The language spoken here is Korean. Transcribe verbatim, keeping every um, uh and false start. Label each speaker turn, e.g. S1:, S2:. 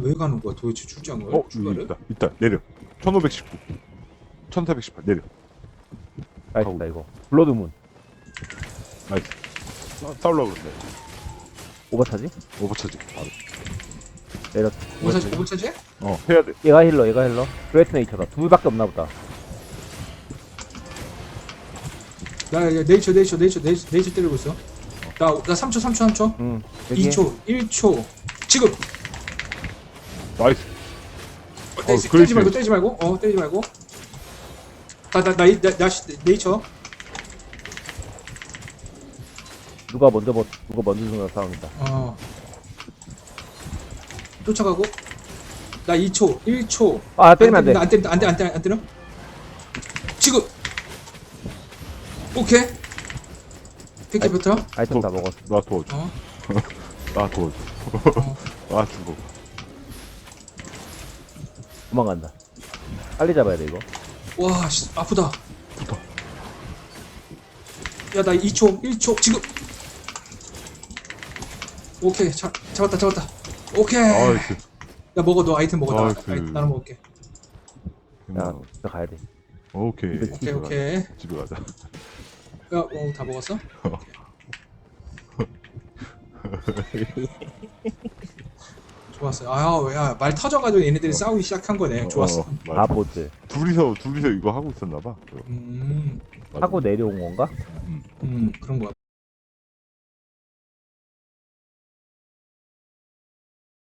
S1: 왜 가는 거야 도대체 출장을?
S2: 어, 여기
S1: 출발을?
S2: 있다. 있다. 내려. 천오백십구. 천사백십팔. 내려.
S3: 나이스다 이거. 블러드문.
S2: 나이스. 싸- 싸우려고 그러네.
S3: 오버차지?
S2: 오버차지. 바로.
S3: 내렸.
S1: 오버차지 오버차지?
S2: 어, 해야 돼.
S3: 얘가 힐러, 얘가 힐러. 그레이트 네이처다. 둘밖에 없나 보다.
S1: 나 야, 네이처 네이처 네이처 네이처 네이처 때리고 있어. 나나 삼 초 삼 초 삼 초
S3: 응. 여기.
S1: 이 초 일 초 지금.
S2: 나이스.
S1: 어, 때리지,
S2: 어,
S1: 때리지
S2: 그렇지.
S1: 말고 때리지 말고 어 때리지 말고. 나나나 나, 나, 나, 네이처.
S3: 누가 먼저 버, 누가 먼저 죽는 싸움이다.
S1: 어. 쫓아가고. 나 이 초 일 초.
S3: 아, 때리면 안 돼.
S1: 안 때린다 안 돼 안 돼 안 때려. 지금. 오케이. 백개 뱉어.
S3: 아이템 다 먹었어.
S2: 나 도와줘.
S1: 어.
S2: 나 도와줘.
S1: 어.
S2: 나 죽어.
S3: 도망간다. 빨리 잡아야 돼 이거.
S1: 와, 씨, 아프다.
S2: 붙어.
S1: 야, 나 이 초, 일 초, 지금. 오케이, 잡, 잡았다, 잡았다. 오케이.
S2: 나이스.
S1: 야, 먹어, 너 아이템 먹어. 나,
S2: 나이스.
S1: 아이, 나는 먹을게.
S3: 야, 진짜 가야 돼.
S2: 오케이.
S3: 오케이,
S2: 집에 가자.
S1: 오케이.
S2: 집에 가자.
S1: 야, 어, 다 먹었어? 좋았어. 아, 야, 말 터져가지고 얘네들이 싸우기 시작한 거네. 좋았어.
S2: 어, 맞아.
S3: 바보들.
S2: 둘이서 둘이서 이거 하고 있었나 봐.
S1: 음,
S2: 맞아.
S3: 하고 내려온 건가?
S1: 음, 그런 거